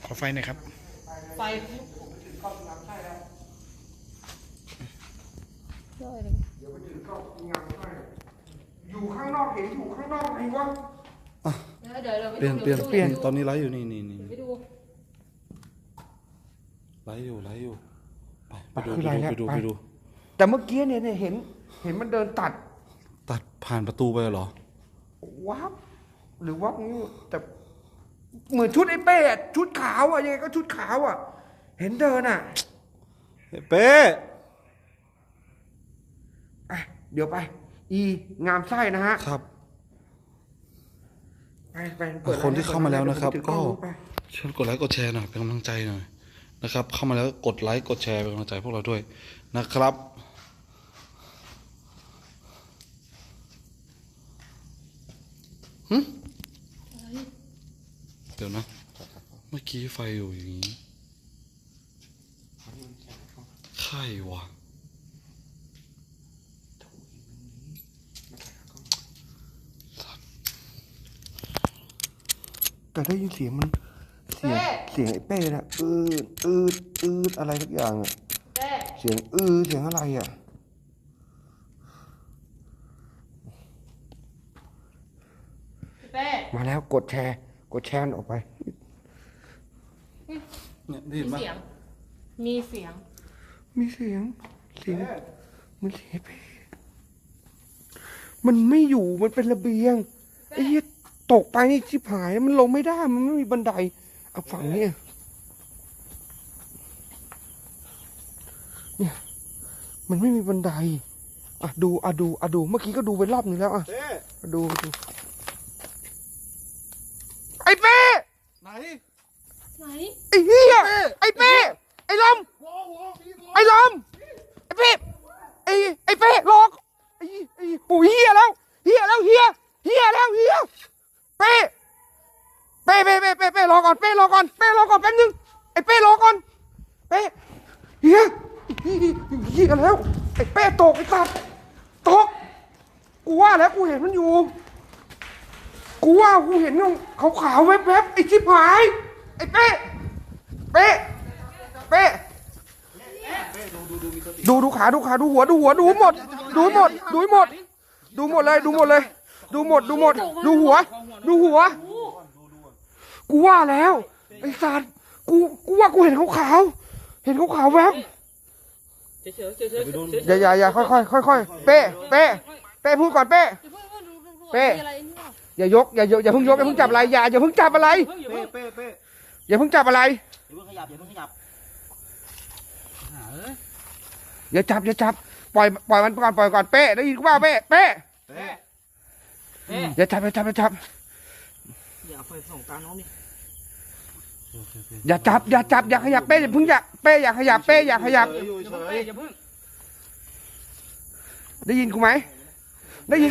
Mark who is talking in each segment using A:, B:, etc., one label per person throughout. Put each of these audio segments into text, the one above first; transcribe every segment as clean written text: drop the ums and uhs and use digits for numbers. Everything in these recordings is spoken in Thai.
A: ขอไฟหน่อยครับ
B: ไฟ
C: เดี๋ยวไปถึงก็งานให้อยู่ข้างนอกเห็นอยู่ข้างนอกไอ้วะ
B: เดี๋ยว
A: เปลี่ยนตอนนี้ไลฟ์อยู่นี่
B: ไปดู
A: ไลฟ์อยู่ไปดู
C: แต่เมื่อกี้เนี่ยเห็นมันเดินตัด
A: ผ่านประตูไปเหรอ
C: วับหรือวับนี่แต่เหมือนชุดไอ้เป้ชุดขาวอ่ะยังไงก็ชุดขาวอ่ะเห็นเดินอ่ะ
A: เป้
C: เดี๋ยวไปงามไส้นะฮะ
A: ครับ
C: ไป
A: คนที่เข้ามาแล้วนะครับก็ช่วยกดไลค์กดแชร์หน่อยเป็นกำลังใจหน่อยนะครับเข้ามาแล้วกดไลค์กดแชร์เป็นกำลังใจพวกเราด้วยนะครับเดี๋ยวนะเมื่อกี้ไฟอยู่อย่างนี้ใครวะ
C: แต่ได้ยินเสียงมันเสียงไอ้เป้นะอะไรทุกอย่างอ่ะเสียงเสียงอะไรอ่ะมาแล้วกดแชร์ออกไป
A: เนี่ยได้ยินปะ
B: มีเสียง
C: มันเสียงเป้มันไม่อยู่มันเป็นระเบียงไอ้เหี้ยตกไปนี่ชิบหายมันลงไม่ได้มันไม่มีบันไดเอาฝั่งนี้เนี่ยมันไม่มีบันไดดูเมื่อกี้ก็ดูไปรอบนึงแล้วดูไอ้เป้
A: ไหน
C: ไอ้เหี้ยไอ้เป้ไอ้ลมไอ้เป้ไอ้เป้หลอกไอ้ปู่เหี้ยแล้วเป้รอก่อนแป๊บนึงไอ้เป้รอก่อนเป้เหี้ยแล้วไอ้เป้ตกไอ้สัตว์ตกกูว่าแล้วกูเห็นมันอยู่กูเห็นขาวๆแวบๆไอ้ชิบหายไอ้เป้ดูขาดูหัวดูหมดดูหมดเลยดูหัวกูว่าแล้วไอ้สัตว์กูว่ากูเห็นขาวแวบอย่าค่อยเป้พูดก่อนเป้อย่ายกอย่าเพิ่งจับอะไรอย่าเพิ่งจับอะไรอย่าเพิ่งจับอะไรอย่าจับปล่อยมันก่อนเป้ได้ยินกูว่าเป้อย่าจับ
B: อย่าไฟส่องตาน้องดิ
C: อย่าจับอย่าขยับเป้อย่าขยับได้ยินกูไหมเป้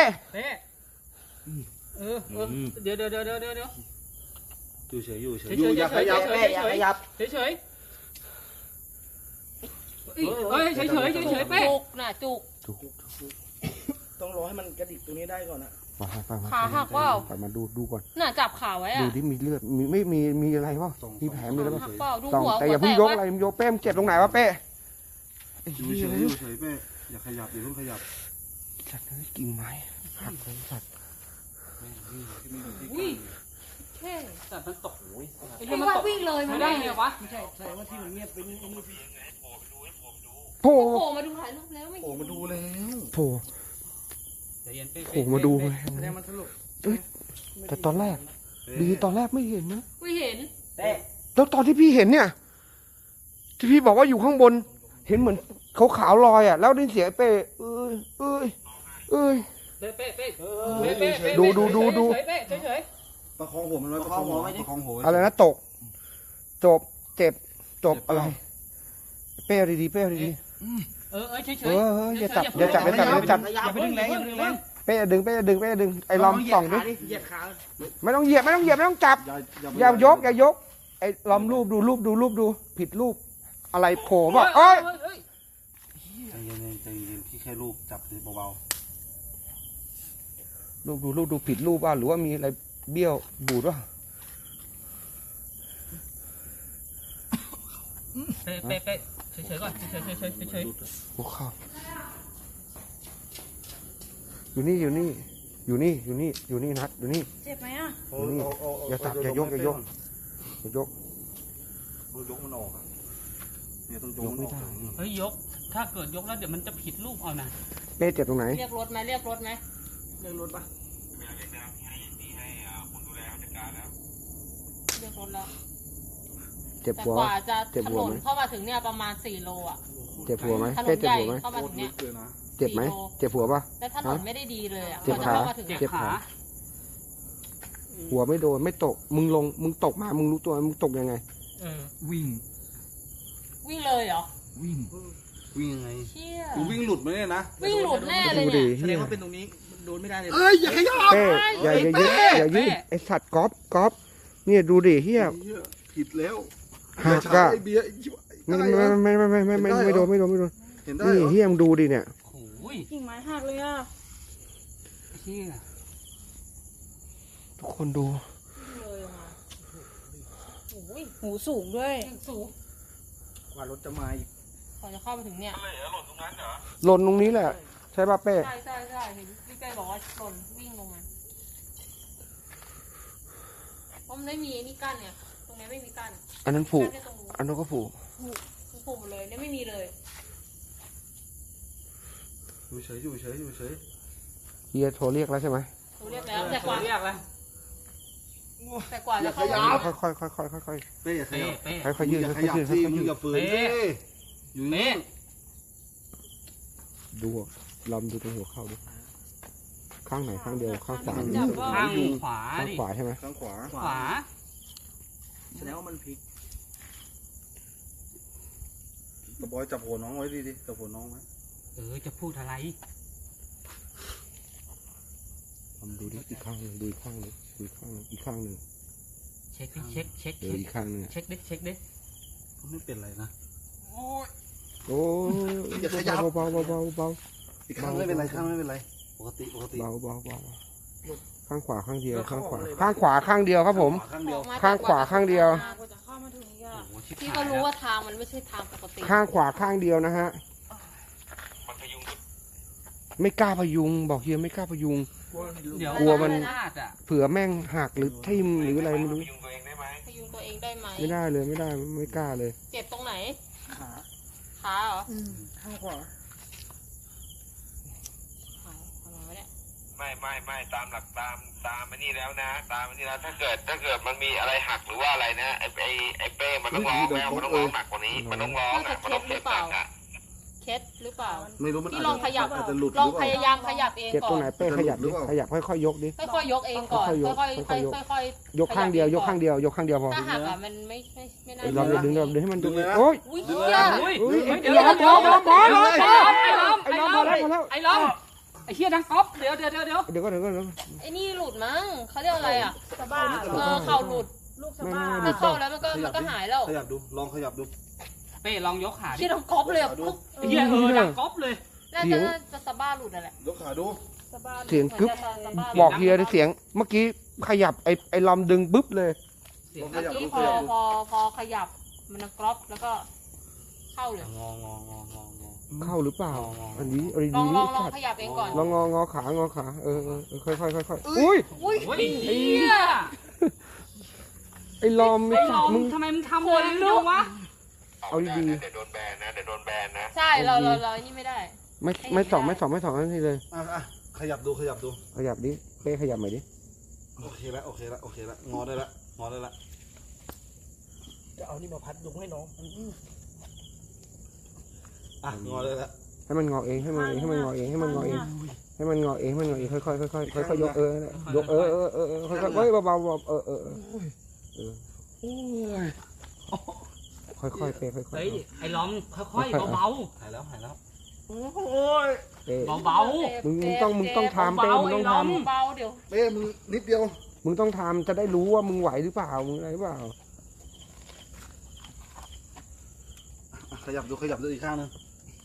B: เดี๋ยว
A: อยู่เฉย
B: อย่าขยับเฉยเป้จุก
D: ต้องรอให้มันกระดิกตรงนี้ได้ก่อนนะ
B: ขาหักว่า
C: มาดูก่อน
B: น่ะจับขาไว้อะ
C: ดูที่มีเลือดไม่มีอะไรวะมีแผลมีอะไรบ้างแต่อย่าเพิ่งยกอะไรยกเป้มเจ็บตรงไหนวะเป้
A: อยู่เฉยเป้อย่าขยับอย่าเพิ่งขยับ
C: สัตว์นี่กิ่งไม้หักเลยสัตว์
B: แต่มันตกไอ้ที่มันวิ่งเลยมันได้ไงวะ
D: ไม่ใช่แสดงว่าที่มันเงียบไปนี่
C: โผล่
B: มาดูถ่ายรูปแล้วไม่
A: โผล่มาดูแล้ว
C: โผล่มาดูเลย
D: แสดงมันสรุป
C: แต่ตอนแรกไม่เห็นนะ
B: ไม่เห็น
C: แล้วตอนที่พี่เห็นเนี่ยที่พี่บอกว่าอยู่ข้างบนเห็นเหมือนขาวลอยอ่ะแล้วได้เสียงเป้ดู
A: ประคองหัวมันไว้ประคองหัว
C: อะไรนะตกเจ็บอะไรเป้ดีเป้ดี
B: เฉย
C: อย่าจับ
D: อย่าไปดึงแรง
C: เป้ดึงไอ้ลอมส่องดิไม่ต้องเหยียบไม่ต้องจับอย่ายกไอ้ลอมรูปดูผิดรูปอะไรโผล่ป่ะ
A: ใจเย็นพี่แค่รูปจับเบา
C: รูปดูผิดรูปว่าหรือว่ามีอะไรเบี้ยวบูดวะ
B: เป๊ะเฉยๆก่อนเฉย
C: หัวเข่าอยู่นี่นัดอยู่นี่
E: เจ็บไหมอ่ะ
C: อยู่นี่อย่าตับอย่ายก
D: ยกมันออกอ่ะเนี่ยต้องยกไม่ได้
B: ๆเฮ้ยยกถ้าเกิดยกแล้วเดี๋ยวมันจะผิดรูปเอานะ
C: เป้เจ็บตรงไหน
E: เรียกรถไหมเรียกรถไหม
D: เรื่องรถปะ
E: เรียกรถแล้ว
C: เจ็บ
E: แต่
C: หัว
E: กว่าจะ
C: เจ็บ
E: ถ
C: หัวน ไหม
E: นเข้ามาถึงเนี่ยประมาณ4 โลอ่ะ
C: เจ็บหัวไหม
E: ถน
C: เป้
E: น
C: เจ็
E: ให
C: บ
E: ญ่
C: หัวไหม
E: เข้ามาถึงเนี่ย
D: เกินนะ
C: เจ็บไหมเจ็บหัวปะ
E: แล้วถนนไม่ได้ดีเลยอ่ะ
C: เจ็บ
E: กว่าจะ
C: ขา
E: เข้ามาถึง
B: เจ็บ
C: เจ็บ
B: ขา
C: ขา หัวไม่โดนไม่ตกมึงตกมามึงรู้ตัวมึงตกยังไง
B: วิ่ง
E: วิ่งเลยเหรอ
B: วิ่งยังไง
E: เชี่ย
A: กูวิ่งหลุดไหมเนี่ยนะ
E: วิ่งหลุดแน่เลย
C: ดู
E: เนี่
C: ดิ
E: ย
D: แสดงว่าเป็นตรงนี้โดนไม่ได้เลย
A: เอ้ยอย่าขยับ
C: เป้อย่ายืดไอสัตว์ก๊อฟเนี่ยดูดิเฮีย
A: ผิดแล้ว
C: หักอะ
A: ไอ้เบียร์
C: ไม่โดน
A: เห็นได้
C: นี่
A: เหรอ
C: เฮียมึงดูดิเนี่ย
B: โอ้ย
E: กิ่งไม้หักเลยอ่ะ
B: เชี่ย
C: ทุกคนดู
E: เลยอ่ะโอ้ยหูสูงด้วยสูง
D: กว่ารถจะมาอีก
E: กว่าจะเข้ามาถึงเนี่ย
C: หล่นตรงนี้แหละใช่ป่ะเป้
E: ใช่เห็นพี่เป้บอกว่าหล่นวิ่งลงมาเพราะมันไม่มีไอ้นี่กั้นเนี่ยตรงนี้ไม่มีกั้น
C: อันนั้นผูก
E: กั้นแค่ตรงนู้น
C: อันนั้นก็ผูก
E: ผูกหมดเลยเนี่ยไม่มีเลย
A: อยู่เฉย
C: เฮียโทรเรียกแล้วใช่ไหม
E: เขาเรียกแล้วแต่กว่า
B: เรียกแล้ว
E: แต่กว่าจะเข้ามา
C: ค่อย
A: เป้อย่าขยับ
B: เป๊ะ
C: ค่อยยืด
A: อย่าข
C: ค่อย
A: ยับ
C: ยืด
A: สิ
C: ค่อย
A: มึง
C: ยื
A: อ
C: ด
A: ย่าฝืนสิอยู่นี่
C: ดูลำดูตรงหัวเข่าดิข้างไหนข้างเดียวข้างขวา
E: จับว่า
B: ข้างขวา
C: ข้าง
B: ดิ
C: ขวาใช่ไหม
A: ข้างขวา
B: ขวา
D: แสดงว่ามันพลิก
A: ตะบอยจับหัวน้องไว้ดีจับหัวน้องไว้
B: จะพูดอะไร
C: ลำดูดิอีกข้างหนึ่งดูอีกข้างหนึ่งอีกข้างหนึ่ง
B: เช็คดิเช็ค
C: อีกข้างหนึ่ง
B: เช็คดิ
A: ก็ไม่เป็นไรนะ
C: โอ้ยเบา
A: อีกข้างไม่เป็นไรข้างไม่เป็นไรปกติ
C: ข้างขวาข้างเดียวข้างขวาข้างเดียวครับผม
A: ข้างเดียว
C: ข้างขวาข้างเดียว
E: กว่าจะเข้ามาถึงนี่
B: โอ้ชิบ
E: พี่
B: หาย
E: ก็รู้ว่าทางมันไม่ใช่ทางปกติ
C: ข้างขวาข้างเดียวนะฮะไม่กล้าพยุงบอกเฮียไม่กล้าพยุง
B: เดี๋ยว
C: กลัวมัน
B: พลาดอ่ะ
C: เผื่อแม่งหักหรือทิ่มหรืออะไรไม่รู้
E: พยุงตัวเองได้ไหม
C: ไม่ได้เลยไม่กล้าเลย
E: เจ็บตรงไหน
D: ขา
E: ขาเหรอ
D: ข้างขวา
E: ขาทำไมวะเนี่ย
F: ไม่ตามหลักตามอันนี้แล้วนะตามอันนี้แล้วถ้าเกิดมันมีอะไรหักหรือว่าอะไรนะไอ้เป้มันต้องร้องแล้วมันต้องร้องหนักกว่านี้มันต้องร้อง
E: น่าจะ
F: มัน
E: เค
F: ต้
E: ล็
F: อง
E: ดหรือเปล่าเคล็ดหรือเปล่า
A: ไม่รู้มัน
E: พี่ลองขยับ
A: อาจจะหลุด
E: ลองพยายามขยับเอง
C: เจ็บ
E: ก่
C: ต
E: อ
C: รง
E: น
C: ไหนเป้ขยับดิขยับค่อยๆยกดิ
E: ค่อยๆยกเองก่อน
C: ค่อยๆยก
E: ค่อย
C: ค่อยๆยก
E: ๆ
C: ยกข้างเดียวยกข้างเดียวพอ
E: ถ้าหักอ่ะมันไม่น่า
C: เราดึงให้มันดึงโอ้ย
E: อุ้ยเหี้ย
B: เดี๋ยว
C: ไอ้ล้อมพอแล้ว
B: ไอ้ล้อมไอ้เฮียดังก๊อฟเดี๋ยว
C: เดี๋ยวก็
E: ไอ้นี่หลุดมั้งเขาเรียกอะไรอ่ะ
D: สะบ้า
E: เข่าหลุด
D: ลูกสะบ้า
E: ถ้าเข้าแล้วมันก็หายแล้ว
A: ขยับดูลองขยับดู
B: เป้ลองยกขาดิ
E: ที่ต้องก๊อปเลยอ่ะ
B: ไอ้เฮียดังก๊อฟเลย
E: น่าจะสะบ้าหลุดอะไร
A: ยกขาดู
C: เสียงกึ๊บบอกเฮียเสียงเมื่อกี้ขยับไอ้ลำดึงบึ๊บเลย
A: ลองข
E: เมื่อ
A: ยับดู
E: กี้
A: ขยับดู
E: พอขยับมันกรอบแล้วก็เข้าเลย
B: งอ
C: เข้าหรือเปล่าอันนี้
E: ลอง
C: ดี
E: ขยับเองก่อน
C: ลองงอขาค่อยอุ้ย
E: อุ้ย
B: เฮีย
C: ไอ้ลอม
B: ไอ้ล้อมทำไมมึงทำเลยลูกวะ
C: เอาดี
F: เดี๋ยวโดนแบนนะ
E: ใช่เรานี่ไม่ได้
C: ไม่สองนั่นนี่เลย
A: อ่ะขยับดู
C: ขยับดิเป้ขยับใหม่ดิ
A: โอเคแล้วงอได้ละ
D: จะเอานี่มาพัดลุงให้น้อง
A: อ่ะงอได้ละ
C: ให้มันงอเองค่อยค่อยยกค่อยค่อยเฮ้ยเบาค่อยเป้ค่อย
B: เฮ้ยไอ้ล้อมค่อยๆเบา
A: หายแล้ว
C: เป้
B: ๆเบา
C: มึงต้องทำเป้มึงต้องท
E: เบาเดี๋ยว
A: เป้มึงนิดเดียว
C: ำมึงต้องทำจะได้รู้ว่ามึงไหวหรือเปล่ามึงอะไรหรือเปล่า
A: ขยับดูอีกข้างนึง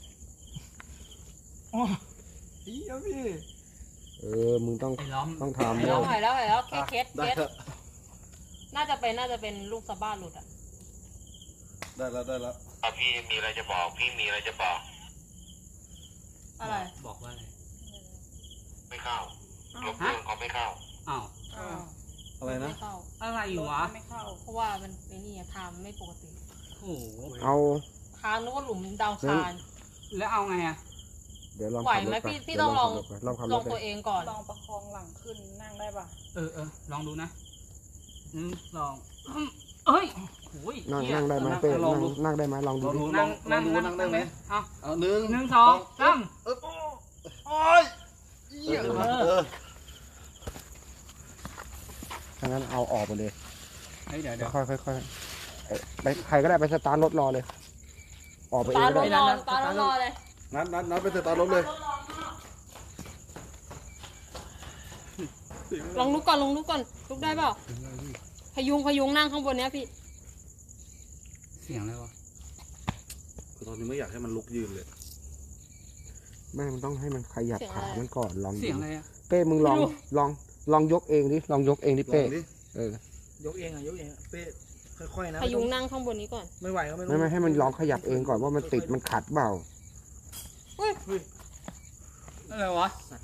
C: มึงต้อง
B: ๆไอ้ล้อม
C: ต้องทำ
E: หายแล้วเคส
A: ได้เถอะ
E: น่าจะเป็นลูกสะบ้าหลุดอ่ะ
A: ได้แล้วได้แล้ว
F: พี่มีอะไรจะบอกพี่มีอะไรจะบอก
E: อะไร
B: บอกว่าอะไร
F: ไม่เข้าลบเครื่องเขาไม่เข้า
B: อ้าว
E: อ้าว
A: อะไรนะ
E: ไม่เข้า
B: อะไรวะ
E: ไม่เข้า เพราะว่ามันไอ้นี่อะทางไม่ปกติ
B: โอ้โห
C: เอา
E: ทางนึกว่าหลุมดาวคาน
B: แล้วเอาไงอะ
C: เดี๋ยวลอง
E: ไหว
C: ขับร
E: ไหม
C: ถไป
E: พี่ต้องลอง
C: ลองขับ
E: ล
C: ร
E: อ
C: ถ
E: ง
C: ไป
E: ตัวเองก่อน
D: ลองประคองหลังขึ้นนั่งได้ป่ะ
B: ลองดูนะลองเอ้ยโอ้ย
C: นั่งได้ไหมเป้
A: ลองดู
C: นั่งได้ไหมลองดูดิ
B: นั่งได้ไหมเอา
A: เอาหนึ่ง
B: 1 2 3
A: โอ้ยเหี้ย
C: ถ้างั้นเอาออกไปเลย
B: เฮ้ยเดี๋ยว
C: ค่อยๆค่อยๆไปใครก็ได้ไปสตาร์ทรถรอเลย ออกไปเอง
E: ตา
C: ก็
E: ร
C: ได้
E: ถรอตารถรอเลย
A: นัดไปสตาร์ทรถเลย
E: ลองลุกก่อนลุกได้เปล่าพยุงนั่งข้างบนเนี้ยพี่
B: เสียงอะไรวะ
A: คือตอนนี้ไม่อยากให้มันลุกยืนเลย
C: ไม่มันต้องให้มันขยับขามันก่อนลอง
B: เสี
C: ดู
B: ยงอะไรอะ
C: เป้มึงลองยกเองดิลองยกเองดิ
A: ลอ
C: เป้
A: งดิ
C: เออย
D: กเองอ่ะยกเองอะเป้ค่อยๆนะ
E: พยุงนั่งข้างบนนี้ก่อน
D: ไม่ไหวก็ไม่
C: ไม่ให้มันลองขยับเองก่อนว่ามันติดมันขัดเปล่า
B: อะไรวะ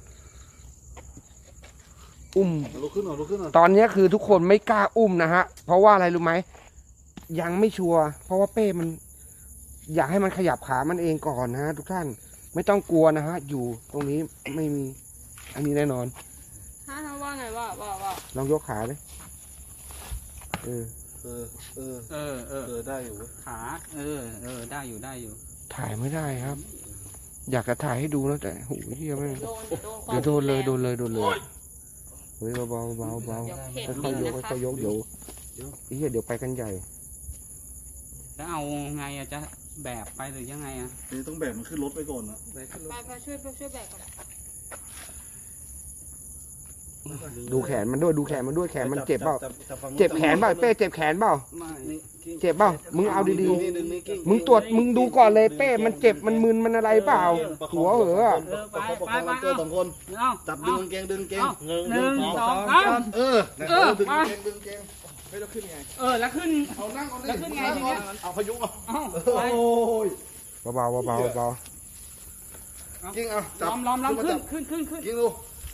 C: อุ้ม
A: ลุกขึ้นหน่อยลุกขึ้นหน่อย
C: ตอนนี้คือทุกคนไม่กล้าอุ้มนะฮะ เพราะว่าอะไรรู้ไหมยังไม่ชัวร์เพราะว่าเป้มัน อยากให้มันขยับขามันเองก่อนนะฮะทุกท่านไม่ต้องกลัวนะฮะ อยู่ตรงนี้ไม่มี อันนี้แน่นอน
E: ฮะว่าไงว่า
C: ลองยกขาเลยเออ
A: ได้อยู่เว้ย
B: ขาได้อยู่
C: ถ่ายไม่ได้ครับ อยากจะถ่ายให้ดูนะแต่โหเฮียไม่ง
E: เดี๋ยวโดน
C: เดี๋ยวโดนเลยเฮ้ยเบาๆ
E: เดี๋ยวเพจ
C: ค่อยๆย
E: นี้
C: ก
E: นะคะ
C: ค่อยๆยกเดี๋ยวเฮียเดี๋ยวไปกันใหญ่
B: แล้วเอาไงอะจะแบกไปหรือยังไงอะ
A: นี่ต้องแบกมันขึ้นรถไปก่อนนะ
E: ไปช่วยแบกก่อน
C: ดูแขนมันด้วยดูแขนมันด้วยแขนมันเจ็บเปล่า
A: จัฝั่ง
C: เจ็บแขนเปล่าเป้เจ็บแขนเปล่า
B: ไม่
A: นี่กิ้ง
C: เจ็บเปล่ามึงเอาดี
A: นี่ดึงนี่กิ้ง
C: ๆมึงตรวจมึงดูก่อนเลยเป้มันเจ็บมันมึนมันอะไรเปล่า หัวเหอะ
A: ประคองกันเจอสองคน
B: เอา
A: จับดึงกางเกงดึงกางเกง
B: หนึ่งสองสาม
A: เออนะครับดึงกางเกงดึงกางเกง
D: ไม่ต้องขึ้นไง
B: แล้วขึ้น
A: เอานั่งเอา
B: แล้วขึ้นไงทีเนี้ย
A: เอาพยุงเอา
B: เอ้า
A: โอ้ย
C: เบาๆเบาๆเบา
A: กิ้งเอาจับ
B: ล้อมขึ้น
A: กิ้งดู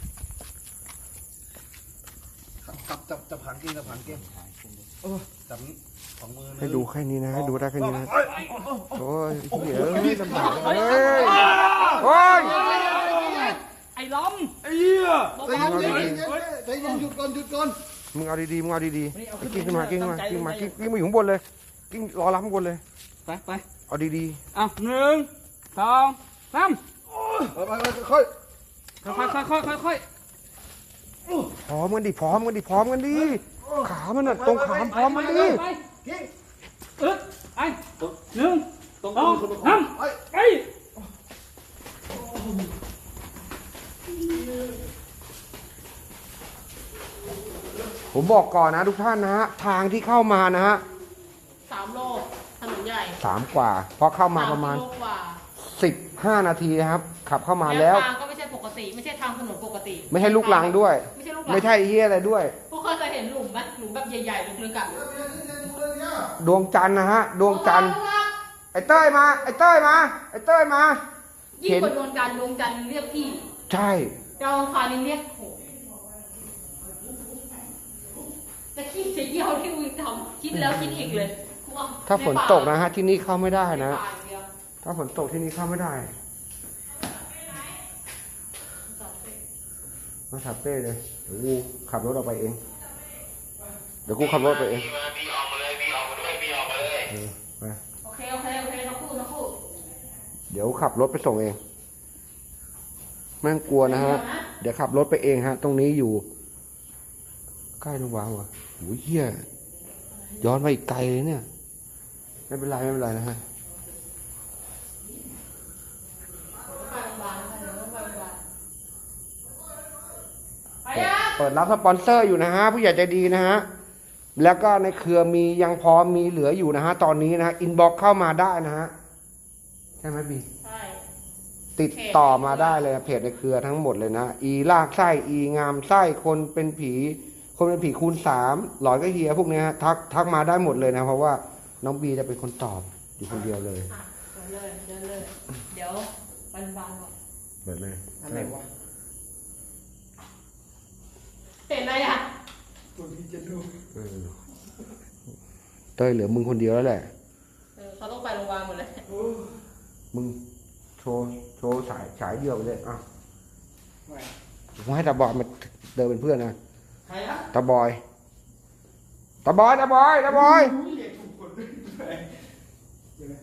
A: จับหางกิ้งจับหางกิ้งจับนี้สองมือ
C: ๆให้ดูแค่นี้นะให้ดูได้แค่นี้นะโอ้ยเหี้ยลำบากเฮ้ยโอ้ย
B: ไอ้ล้อม
A: ไอ้เหี้ยใจเย็นหยุดก่อน
C: มึงเอาดีๆมึงเอาดีๆกิ้งขึ้นมากิ้งมากิ้งมาอยู่ข้างบนเลยกิ้งรอรับข้างบนเลย
B: ไป
C: เอาดี
B: เอา1 2 3
A: ไปค่อย
B: ค่อย
C: ๆพร้อมกันดิขามันน่ะตรงขาพร้อมมันดิ
B: ไปไป1
A: ตรง
B: 2 3ไป
C: ผมบอกก่อนนะทุกท่านนะฮะทางที่เข้ามานะฮะ
E: 3 โลถนนใหญ่
C: 3 กว่าเพราะเข้ามาประมาณ
E: 3 โลกว่า
C: 15 นาทีนะครับ ขับเข้ามาแล้ว
E: ทางก็ไม่ใช่ปกติ ไม่ใช่ทางถนนปกติ
C: ไม่ให้ลูกลังด้วย
E: ไม่ใช่ลูกลัง
C: ไม่ใช่เฮียอะไรด้วย
E: พวกเคยเห็นหลุมไหมหลุมแบบใหญ่ๆลึกๆอ่ะ
C: ดวงจันทร์นะฮะดวงจันทร์ไอ้เต้ยมา
E: ยิ่งกว่าดวงจันทร์เรียกพี่
C: ใช่
E: ดาวอังคารนี่เรียกโหจะขี้จะเยี่ยวที่มึงทำคิดแล้วคิดอีกเลย
C: ถ้าฝนตกนะฮะที่นี่เข้าไม่ได้
E: ใน
C: นะ
E: ป่าอย่างเดียว
C: ถ้าฝนตกที่นี่เข้าไม่ได้มาขับเป้เลยเดี๋ยวกูขับรถออกไปเอง เดี๋ยวกูขับรถไปเอง
F: พี่ออกมาเลยพี่ออกมาด้วยพี่ออกมาเลย
C: ไป
E: โอเคทั้งคู่
C: เดี๋ยวขับรถไปส่งเองไม่ต้องกลัวนะฮะ เดี๋ยวขับรถไปเองฮะ ตรงนี้อยู่ ใกล้โรงพยาบาลว่ะโอ้ยเหี้ยย้อนไปอีกไกลเลยเนี่ย ไม่เป็นไรนะฮะ เปิดรับสปอนเซอร์อยู่นะฮะ ผู้ใหญ่ใจดีนะฮะ แล้วก็ในเครือมียังพอมีเหลืออยู่นะฮะ ตอนนี้นะฮะอินบ็อกเข้ามาได้นะฮะ ใช่ไหมบี
E: ใช่
C: ติดต่อมาได้เลยเพจในเครือทั้งหมดเลยนะอีลากไส้อีงามไส้คนเป็นผีคูณ 3หลอยก็เฮียพวกเนี้ยฮะทักมาได้หมดเลยนะ เพราะว่าน้องบีจะเป็นคนตอบอยู่คนเดียวเลย
E: อ่ะเดินเลย เดี๋ยวมันบานก่อน
C: เปิดเลย
D: อะไรวะ
E: เห็นอะไรอ่ะ
D: ตัวที่จะดู
C: เออเต้ยเหลือมึงคนเดียวแล้วแหละ
E: เขาต้องไปโรงพยาบาลหมดเลย
C: มึงโชว์สายเดียวไปเลยอ่ะ
D: ไม่
C: ผมให้ตาบอยมาเดินเป็นเพื่อนนะ
D: ใครอะ
C: ตาบอยตาบอยตาบอยตาบอย
D: อุ้ยเรียกถูกคนด้วยเดี๋ยวนะ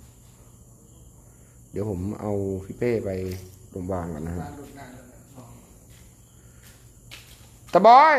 C: เดี๋ยวผมเอาพี่เป้ไปโรงพยาบาลก่อนนะฮะ
D: ร้านหลุดงานแล้วนะอ๋อ
C: ตาบอย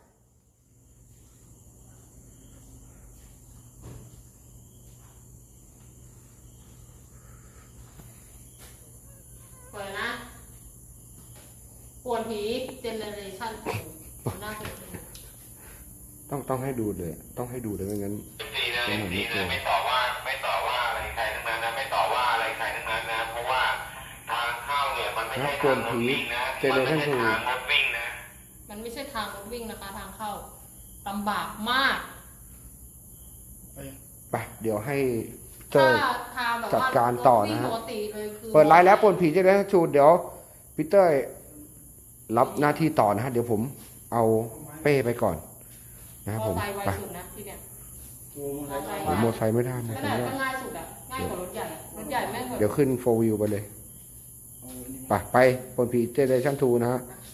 E: เปิดนะปวนผีเจเนเรชั่นหน้าเกิด
C: ต้องให้ดูเลย ต้องให้ดูเลยไม่งั้น
F: ดีนะดีนะไม่ต่อว่าอะไรใครทั้งนั้นนะไม่ต่อว่าอะไรใครทั้งนั้นนะเพราะว่าทางเข้าเนี่ยมันไม่ใช่ทางรถวิ่งนะมันไม่ใช่ทางรถวิ่งนะ
E: มันไม่ใช่ทางรถวิ่งนะคะ ทางเข้าลำบากมาก
C: ไปเดี๋ยวให้เต้ย
E: ถ้าทางแบบ
C: จัด
E: ว่า
C: การต่อนะฮะ
E: ปกติเลยคือ
C: เปิดไลน์แล้วปนผีจะได้ชูดเดี๋ยวพี่เต้ยรับหน้าที่ต่อนะฮะเดี๋ยวผมเอาเป้ไปก่อนนะครับผม
E: มอไซค์ไว
C: ไป
E: สุดนะที่เนี่ย
D: โอ้โหใคร
C: ผมโมอไซค์ไม่ได้โมอ
E: ข
C: ไซ
E: นา
C: ค์
E: ด
C: ไม่
E: ก็
C: ได้
E: ง่ายสุดอ่ะ ง่ายกว่ารถใหญ่อะรถใหญ่แม่งแบบ
C: เดี๋ยวขึ้นโฟวิวไปเลย
D: เอาอันนี้
C: ไปปนผีเจเนเรชั่น2นะฮะ
E: นะ